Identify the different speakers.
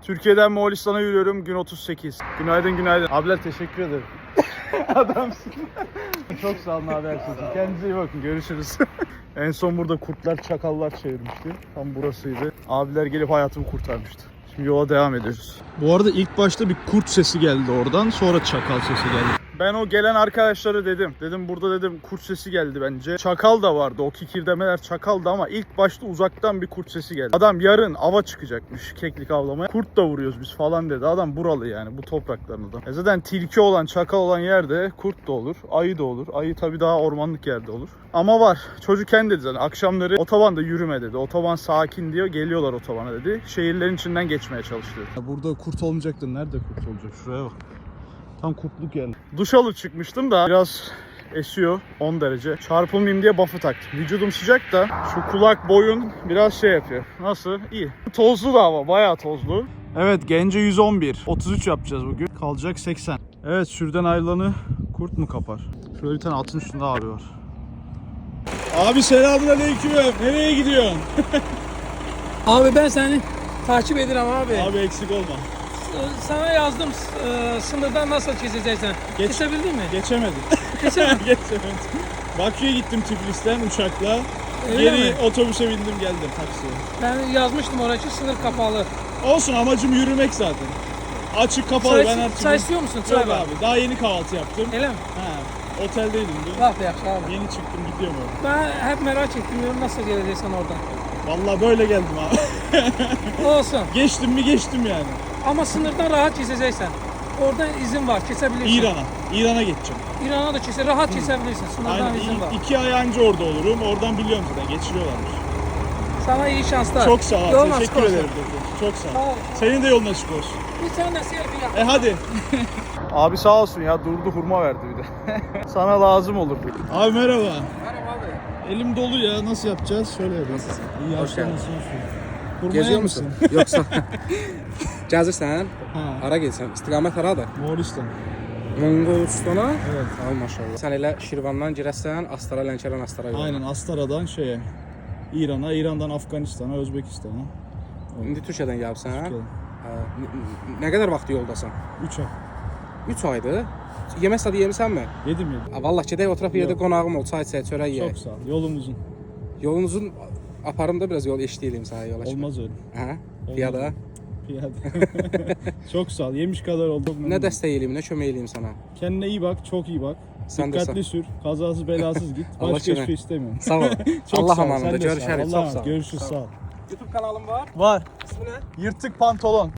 Speaker 1: Türkiye'den Moğolistan'a yürüyorum. Gün 38. Günaydın günaydın. Abiler teşekkür ederim. Adamsın. Çok sağ olun abi her şey için. Kendinize iyi bakın. Görüşürüz. En son burada kurtlar çakallar çevirmişti. Tam burasıydı. Abiler gelip hayatımı kurtarmıştı. Şimdi yola devam ediyoruz. Bu arada ilk başta bir kurt sesi geldi oradan. Sonra çakal sesi geldi. Ben o gelen arkadaşlara dedim. Dedim burada dedim kurt sesi geldi bence. Çakal da vardı. O kikirdemeler çakaldı ama ilk başta uzaktan bir kurt sesi geldi. Adam yarın ava çıkacakmış keklik avlamaya. Kurt da vuruyoruz biz falan dedi. Adam buralı yani bu topraklarında. Zaten tilki olan çakal olan yerde kurt da olur. Ayı da olur. Ayı tabii daha ormanlık yerde olur. Ama var. Çocuk kendi dedi zaten. Akşamları otobanda yürüme dedi. Otoban sakin diyor. Geliyorlar otobana dedi. Şehirlerin içinden geçmeye çalışıyor. Burada kurt olmayacaktı. Nerede kurt olacak? Şuraya bak. Tam kurtluk yani. Duş alıp çıkmıştım da biraz esiyor 10 derece. Çarpılmayayım diye buff'ı taktım. Vücudum sıcak da şu kulak boyun biraz şey yapıyor. Nasıl? İyi. Tozlu da hava. Bayağı tozlu. Evet Gence 111. 33 yapacağız bugün. Kalacak 80. Evet sürüden ayrılanı kurt mu kapar? Şöyle bir tane atın üstünde abi var. Abi selamünaleyküm. Nereye gidiyorsun?
Speaker 2: Abi ben seni takip ederim abi.
Speaker 1: Abi eksik olma.
Speaker 2: Sana yazdım sınırdan nasıl geçeceksin. Geçebildin mi?
Speaker 1: Geçemedim.
Speaker 2: Geçemedin.
Speaker 1: Geçemedim. Bakü'ye gittim Tiflis'ten uçakla.
Speaker 2: Öyle
Speaker 1: Geri
Speaker 2: mi?
Speaker 1: otobüse bindim geldim taksiye.
Speaker 2: Ben yazmıştım oraya sınır kapalı.
Speaker 1: Olsun amacım yürümek zaten. Açık kapalı ben artık.
Speaker 2: Çay istiyor musun? Çay
Speaker 1: Yok
Speaker 2: var.
Speaker 1: abi daha yeni kahvaltı yaptım.
Speaker 2: Öyle mi?
Speaker 1: Ha, oteldeydim dün.
Speaker 2: Bak yaxşı abi.
Speaker 1: Yeni çıktım gidiyorum orada.
Speaker 2: Ben hep merak ettim diyorum nasıl geleceksin oradan.
Speaker 1: Vallahi böyle geldim abi.
Speaker 2: Olsun.
Speaker 1: Geçtim mi geçtim yani.
Speaker 2: Ama sınırdan rahat geçeceksin. Oradan izin var, kesebilirsin.
Speaker 1: İran'a geçeceğim.
Speaker 2: İran'a da rahat kesebilirsin. Sınırdan
Speaker 1: Aynen
Speaker 2: izin var.
Speaker 1: 2 ay anca orada olurum. Oradan biliyorum zaten geçiriyorlarmış.
Speaker 2: Sana iyi şanslar.
Speaker 1: Çok sağ ol.
Speaker 2: Yolun
Speaker 1: Teşekkür
Speaker 2: açık olsun.
Speaker 1: ederim. Çok sağ ol.
Speaker 2: Sağ ol.
Speaker 1: Senin de yolun açık olsun.
Speaker 2: Bir tane selfie yap.
Speaker 1: Hadi. Abi sağ olsun ya durdu hurma verdi bir de. Sana lazım olur. Abi merhaba.
Speaker 2: Merhaba abi.
Speaker 1: Elim dolu ya nasıl yapacağız? Şöyle yapacağız. İyi
Speaker 3: Hoş geldin.
Speaker 1: Hurma
Speaker 3: Geziyor
Speaker 1: yer
Speaker 3: musun?
Speaker 1: misin?
Speaker 3: Yoksa Gəzirsən?
Speaker 1: Ha.
Speaker 3: Hara gedirsən? İstiqamət haradır?
Speaker 1: Moğolistan.
Speaker 3: Monqolistana?
Speaker 1: Evet.
Speaker 3: Ay maşallah. Sən elə Şirvandan girəsən, Astara, Lənkəran, Astara yolu.
Speaker 1: Aynen Astara'dan şeye. İran'a, İran'dan Afganistan'a, Özbekistan'a.
Speaker 3: İndi Türkiyədən gəlibsən?
Speaker 1: Türkiye'den.
Speaker 3: Nə qədər vaxt yoldasan?
Speaker 1: 3 ay.
Speaker 3: 3 aydır. Yemək sadı yemirsənmi?
Speaker 1: Yedim.
Speaker 3: Vallah gedək oturaq bir yerdə
Speaker 1: Yox.
Speaker 3: qonağım ol, çay içək, çörək
Speaker 1: Çok
Speaker 3: yeyək.
Speaker 1: sağ ol. Yolum uzun.
Speaker 3: Yolunuzun aparımda biraz yol eşləyim sənə yola çıxıb.
Speaker 1: Olmaz öyle.
Speaker 3: Hə? Piyada.
Speaker 1: Piyade. Çok sağ ol. Yemiş kadar oldum.
Speaker 3: Nə dəstək eləyim, nə kömək eləyim sənə?
Speaker 1: Kendine iyi bak. Çok iyi bak.
Speaker 3: Sen de
Speaker 1: Dikkatli sür. Kazasız belasız git.
Speaker 3: Allah
Speaker 1: Başka hiçbir
Speaker 3: aşkına.
Speaker 1: şey istemiyorum.
Speaker 3: Sağ ol.
Speaker 1: Çok
Speaker 3: Allah
Speaker 1: sağ ol.
Speaker 3: amanında
Speaker 1: Sen de sağ ol.
Speaker 3: görüşərik.
Speaker 1: Allah'a
Speaker 3: Çox sağ ol.
Speaker 1: Görüşürüz. Sağ ol.
Speaker 3: YouTube kanalım var.
Speaker 1: Var.
Speaker 3: İsmi nə?
Speaker 1: Yırtık pantolon.